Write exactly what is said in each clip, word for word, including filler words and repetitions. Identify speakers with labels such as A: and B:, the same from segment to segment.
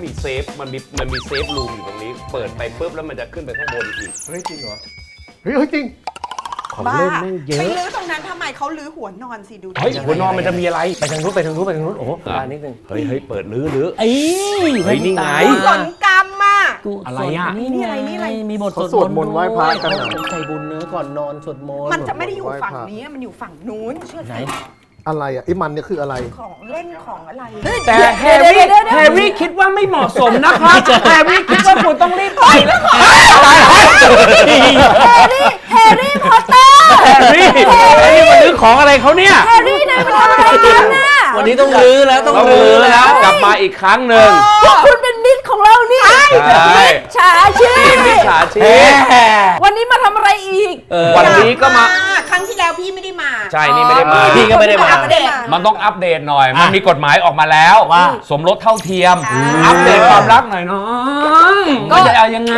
A: มีเซฟมันมีมันมีเซฟรูมอยู่ตรงนี้เปิดไปปุ๊บแล้วมันจะขึ้นไปข้างบนอีก
B: เฮ้ยจริงเหรอเฮ้ยเฮ้ยจริง
A: ของเล่นแม่งเยอะ
C: ไปลื้อตรงนั้นทำไมเขาลื้อหัวนอนสิดู
A: เฮ้ยหัวนอนมันจะมีอะไร
B: ไปทางนู้นไปทางนู้นไปทางนู้นโอ้โหร้านนิดนึง
A: เฮ้ยเฮ้ยเปิดลื้อลื้อ
B: เอ้ย
A: เฮ้ยนี่ไง
C: สนกรรมอ่ะ
A: อะไรอ่ะ
B: นี่ไงนี่อะไรมีบทสวดมนต์ไหว้พระกันใจบุญเนื้อก่อนนอนสวดมนต์
C: มันจะไม่ได้อยู่ฝั่งนี้มันอยู่ฝั่งนู้นเชื่อไหม
D: อะไรอ่ะไอ้มันเนี่ยคืออะไร
C: ของเล่นของอะไร
A: แต่แฮร์รี่แฮร์รี่คิดว่าไม่เหมาะสมนะครับแฮร์รี่คิดว่าคุณต้องรีบไปแล้วค่ะ
E: แฮร์รี่แฮร์รี่พอตเตอร์
A: แฮร์รี่แฮร์รี่มาลื้อของอะไรเขาเนี่ย
E: แฮร์รี่นายมาทำอะไรกันน่ะ
B: วันนี้ต้องลื้อแล้วต้องลื้อ
A: แล้วกลับมาอีกครั้งหนึ่ง
E: พวกคุณเป็นมิตรของเรานี่มิตรฉาชีพ
A: มิตรฉาชีพ
E: วันนี้มาทำอะไรอีก
A: วันนี้ก็มา
C: ครั้งที่แล้วพี่ไม่ได้มา
A: ใช่นี่ไม่ได้มา
B: พี่ก็ไม่ได้มา
A: มันต้องอัปเดตหน่อยมันมีกฎหมายออกมาแล้ว
B: ว่า
A: สมรสเท่าเทียมอัปเดตความรักหน่อยน้องก็จะเอายังไง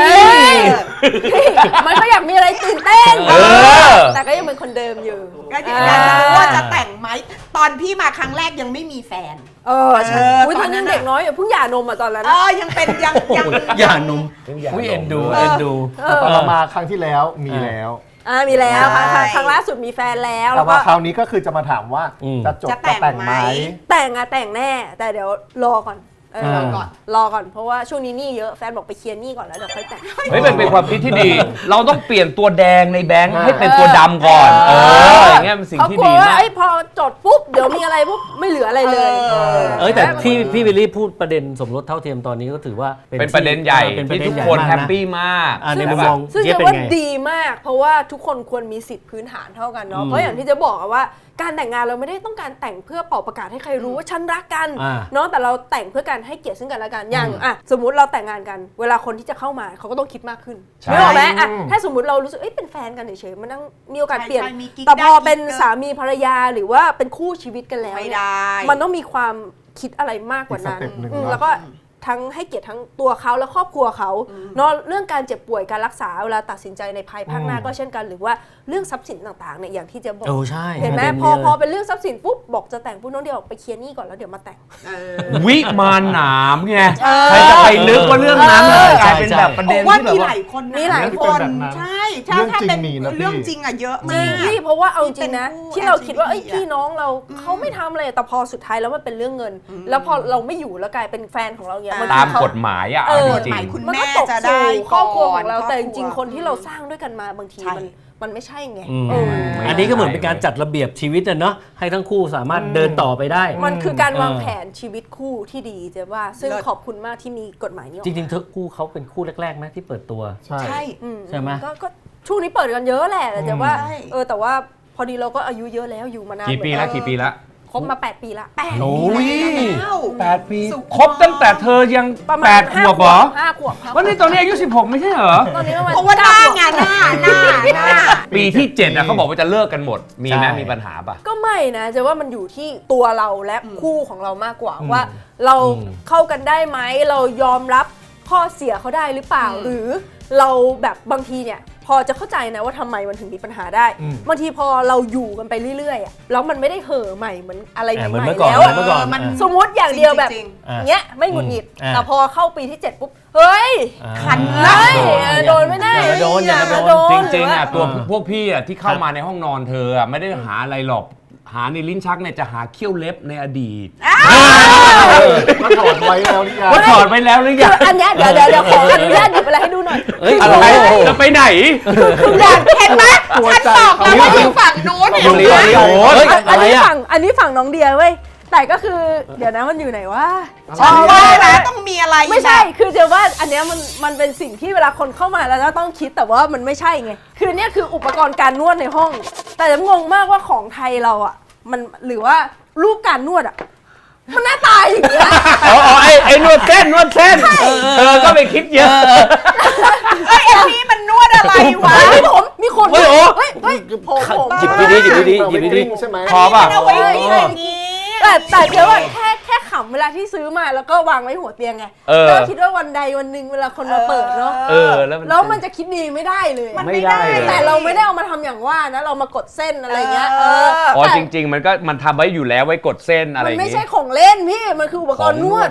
E: มันก็อยากมีอะไรตื่นเต้นแต่ก็ยังเป็นคนเดิมอยู่
C: ก็ยังอยากจะรู้ว่าจะแต่งไหมตอนพี่มาครั้งแรกยังไม่มีแฟน
E: เออใช่ตอนนั้นเด็กน้อยเพิ่งหย่านมอ่ะตอนนั้น
C: เออยังเป็นยังยัง
B: หย่านมอุ้ยเอ็นดูเอ็นดู
D: ตอนมาครั้งที่แล้วมีแล้ว
E: อ่ามีแล้วครั้งล่าสุดมีแฟนแล้ว
D: แล้วก็คราวนี้ก็คือจะมาถามว่าจะจบจะแต่งไหม
E: แต่งอะแต่งแน่แต่เดี๋ยวรอก่อนรอก่อนรอก่อนเพราะว่าช่วงนี้หนี้เยอะแฟนบอกไปเคลียร์หนี้ก่อนแล้วเดี๋ยวค่อยแต่ง
A: เฮ้ยมันเป็นความคิดที่ดีเราต้องเปลี่ยนตัวแดงในแบงค์ให้เป็นตัวดำก่อนเอออย่างเงี้ยเป็นสิ่งที่ดีมาก
E: ไอ้พอจดปุ๊บเดี๋ยวมีอะไรปุ๊บไม่เหลืออะไรเลย
B: เอ้ยแต่ที่พี่วิลลี่พูดประเด็นสมรสเท่าเทียมตอนนี้ก็ถือว่า
A: เป็นประเด็นใหญ่ที่ทุกคนแฮปปี้มาก
B: ในมุมมอง
E: ซึ่งจะว่าดีมากเพราะว่าทุกคนควรมีสิทธิพื้นฐานเท่ากันเนาะเพราะอย่างที่จะบอกว่าการแต่งงานเราไม่ได้ต้องการแต่งเพื่อเป่าประกาศให้ใครรู้ว่าฉันรักกันเนาะแต่เราแต่งเพื่อการให้เกียรติซึ่งกันและกันอย่างอ่ะสมมุติเราแต่งงานกันเวลาคนที่จะเข้ามาเขาก็ต้องคิดมากขึ้นไม่หรอไหมอ่ะถ้าสมมุติเรารู้สึกเอ้ยเป็นแฟนกันเฉยๆมันต้องมีโอกาสเปลี่ยนแต่พอเป็นสามีภรรยาหรือว่าเป็นคู่ชีวิตกันแล้วมันต้องมีความคิดอะไรมากกว่านั้นแล้วก็ทั้งให้เกียรติทั้งตัวเขาและครอบครัวเขาเนาะเรื่องการเจ็บป่วยการรักษาเวลาตัดสินใจในภายภาคหน้าก็เช่นกันหรือว่าเรื่องทรัพย์สินต่างๆเนี่ยอย่างที่จะบอกเห็นไหมพอพอเป็นเรื่องทรัพย์สินปุ๊บบอกจะแต่งปุ๊บน้องเดียวไปเคลียร์หนี้ก่อนแล้วเดี๋ยวมาแต่ง
A: วิมานหนามไงใครจะไปนึกว่าเรื่องนั้นกลายเป็นแบบประเด็นที่แบบ
C: ว่ามีหลายคนมีหลายคนใช่ถ้าถ้าเป็นเรื่องจริงอะเยอะมาก
E: ที่เพราะว่าเอาจริงนะที่เราคิดว่าไอ้พี่น้องเราเขาไม่ทำอะไรแต่พอสุดท้ายแล้วมันเป็นเรื่องเงินแล้วพอเราไม่อยู่แล้วกลายเป็นแฟนของเราเนี่ย
A: ตามกฎหมายอ่ะ
C: กฎหมายคุณแม่จะได้
E: ครอบครัวของเราแต่จริงๆคนที่เราสร้างด้วยกันมาบางทีมันมันไม่ใช่ไง
B: อันนี้ก็เหมือนเป็นการจัดระเบียบชีวิตอะเนาะให้ทั้งคู่สามารถเดินต่อไปได้
E: มันคือการวางแผนชีวิตคู่ที่ดีเจ๊ว่าซึ่งขอบคุณมากที่มีกฎหมายนี้
B: จริงๆทั้งคู่เขาเป็นคู่แรกๆไหมที่เปิดตัว
C: ใช่
B: ใช่ไหม
E: ก็ช่วงนี้เปิดกันเยอะแหละแต่เจ๊ว่าเออแต่ว่าพอดีเราก็อายุเยอะแล้วอยู่มานาน
A: กี่ปีแล้วกี่ปีแล้ว
E: คบมาแปดปีละแปด
A: โอ้ยแปดปีคบตั้งแต่เธอยังแปดขวบเหรอ
E: ห้าขวบ
A: วันนี้ตอนนี้อายุสิบหกไม่ใช่เหรอ
E: ตอนนี้
C: เพราะว่าหน้างานหน้าหน้าหน้า
A: ปีที่เจ็ดอะเขาบอกว่าจะเลิกกันหมดมีไหมมีปัญหาป่ะ
E: ก็ไม่นะจะว่ามันอยู่ที่ตัวเราและคู่ของเรามากกว่าว่าเราเข้ากันได้ไหมเรายอมรับข้อเสียเขาได้หรือเปล่าหรือเราแบบบางทีเนี่ยพอจะเข้าใจนะว่าทำไมมันถึงมีปัญหาได้บางทีพอเราอยู่กันไปเรื่อยๆแล้วมันไม่ได้เห่อใหม่เหมือนอะไรใหม่ๆแล้วมันสมมติอย่างเดียวแบบเงี้ยไม่หงุดหงิดแต่พอเข้าปีที่เจ็ดปุ๊บเฮ้ยขันได้โดนไม่ได้
B: โดนอย่า
A: โดนจริงๆอ่ะตัวพวกพี่อ่ะที่เข้ามาในห้องนอนเธออ่ะไม่ได้หาอะไรหรอกหาในลิ้นชักเนี่ยจะหาเขี้ยวเล็บในอดีต
D: มาถอดไว้แล้วหรือยัง
A: มาถอดไว้แล้วหรือยัง
E: อันนี้เดี๋ยวเดี๋ยวเดี๋ยวขออนุญาตหยิบอะไรให้ดูหน่อย
A: อะไรจะไปไหน
E: คืออยากเห็นไหมฉันบอกแล้วว่าอยู่ฝั่งโน้นอยู่อันนี้ฝั่งอันนี้ฝั่งน้องเดียเว้ยแต่ก็คือเดี๋ยวนะมันอยู่ไหนวะ
C: ฉันว่าแล้วต้องมีอะไร
E: ไม่ใช่คือเดี๋ยวว่าอันนี้มันมันเป็นสิ่งที่เวลาคนเข้ามาแล้วต้องคิดแต่ว่ามันไม่ใช่ไงคือเนี่ยคืออุปกรณ์การนวดในห้องแต่จะงงมากว่าของไทยเราอ่ะมันหรือว่ารูปการนวดอ่ะมันหน้าตายอย่างเงี้ย
A: อ๋อไอ้ไอ้นวดเส้นนวดเส้นเธอก็ไปคิดเยอะ
C: ไอ้อันนี้มันนวดอะไรวะ
E: มีผมมีคน
A: เฮ้ยโอ้
E: เฮ้ยเฮ้ยผมผม
B: จิบดีๆจิบดีๆจิบดี
D: ๆใช่ไหม
A: พอป่ะ
E: แต่แต่เดี๋ยวแค่แค่ขำเวลาที่ซื้อมาแล้วก็วางไว้หัวเตียงไงก็คิดว่าวันใดวันหนึ่งเวลาคนมาเปิดเนาะแล้วมันจะคิดดีไม่ได้เลย
A: ไม่ได้
E: แต่เราไม่ได้เอามาทำอย่างว่านะเรามากดเส้นอะไรเงี้ย
A: อ๋อจริงๆมันก็มันทำไว้อยู่แล้วไว้กดเส้นอะไร
E: มันไม่ใช่ของเล่นพี่มันคืออุปกรณ์นวด